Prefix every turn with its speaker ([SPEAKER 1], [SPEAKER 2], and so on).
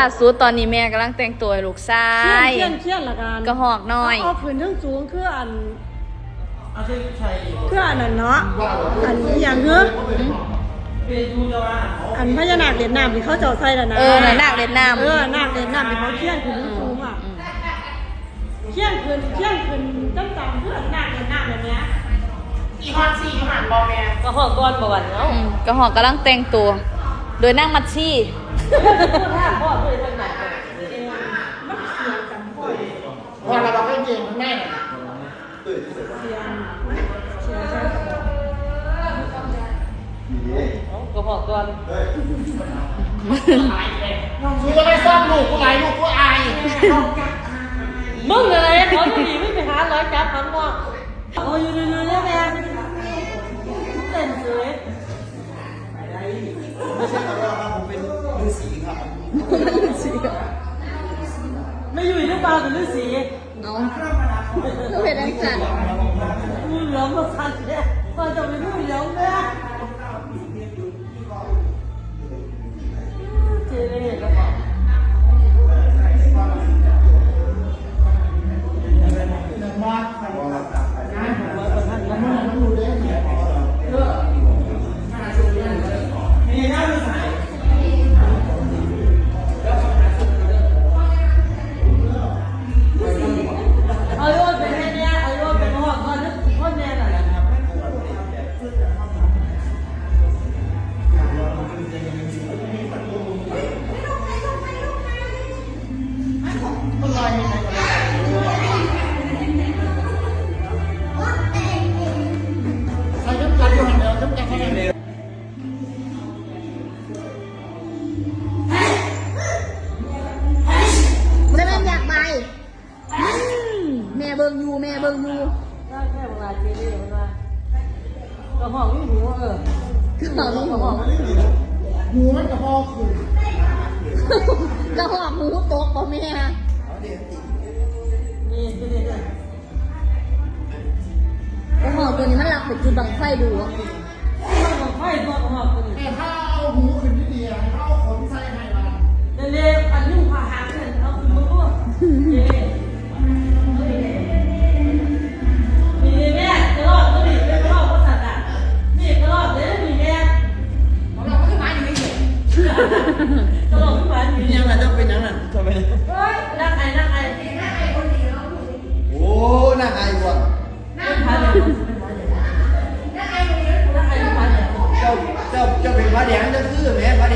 [SPEAKER 1] ล่าสุดตอนนี้แม่กำลังแต่งตัวลูกชาย
[SPEAKER 2] เชี่ยนละกัน
[SPEAKER 1] กระหอกน้อย
[SPEAKER 2] เอาขึ้นทั้งสูงคืออันนั่นเนาะอันอย่างเงี้ยอันพญานาคเล่นน้ำที่เขาเจ้าใส่แล้วนะ
[SPEAKER 1] นาคเล่นน้ำ
[SPEAKER 2] นาคเล่นน้ำที่เขาเชี่ยนขึ้นทั้งสูงอ่ะเชี่ยนขึ้นตั้งแต่เพื่อนนาคเล่นน้ำแบบนี้
[SPEAKER 3] อีฮอนซี่หันบอแม่
[SPEAKER 2] กระหอกก้อนประวันเนาะ
[SPEAKER 1] กระหอกกำลังแต่งตัวโดยนั่งมัดชี่
[SPEAKER 2] พ่อเคยทำแบบมันเสียกันพ่อ
[SPEAKER 3] พอเราบอกให้เก่งแม่
[SPEAKER 2] กระหอกก้อน
[SPEAKER 3] กูจะไม่ซ่อมลูกกูไหลลูกกูอาย
[SPEAKER 2] มึงอะไรเขาจะหนีไม่ไปหาร้อยจับคำว่าโอ้ยยืนเนี่ยแม่เต้นสวย
[SPEAKER 3] ไม่ใช่ครับว่าผมเป็นฤาษีครับ
[SPEAKER 2] ไม่อยู่ในป่าเป็นฤาษี
[SPEAKER 1] เอาก็เป็นอะไรกัน
[SPEAKER 2] งูเหลือมมาคันเนี่ยตอนจะเป็นงูเหลือมเนี่ยเจ๊เลยแล้วบอก
[SPEAKER 1] แม่เบิ่งอยู่ได้แค่เวลาเจ๊ได้เวลากระหอกนี่หูกระหอกนี่หู
[SPEAKER 3] หูมันกระหอกคื
[SPEAKER 1] กระหอกหูตกป่ะแม่
[SPEAKER 2] นี่
[SPEAKER 1] กระหอกตัวนี้มันหลับไปจุดบังไฟดู
[SPEAKER 2] บังไฟตัวกระหอกตัวนี้
[SPEAKER 3] แต่ถ้าเอาหูขึ้นที่เดียวเอาขนใส่ให้มัน
[SPEAKER 2] เร็วอันนี้ผ่าหางเนี่ยเอาขึ้นมาพูดนี่แม่กระรอกตัวนี้เป็นกระรอกภาษาอ่ะนี่กระรอกเดี๋ยวนี่แม่
[SPEAKER 3] ของเราก็หมายอยู่ไม่เห็น
[SPEAKER 2] กระรอกขึ้นมาอยู่
[SPEAKER 3] ยังไงจะเป็นยังไงจะเป็น
[SPEAKER 2] เฮ้ยนั่งไงคนเดียว
[SPEAKER 3] โอ้น่าอายว่ะ
[SPEAKER 2] นั่งพันนั่งไงคนเดียว
[SPEAKER 3] เจ้าเป็นพระแดงจะคือแม่พระ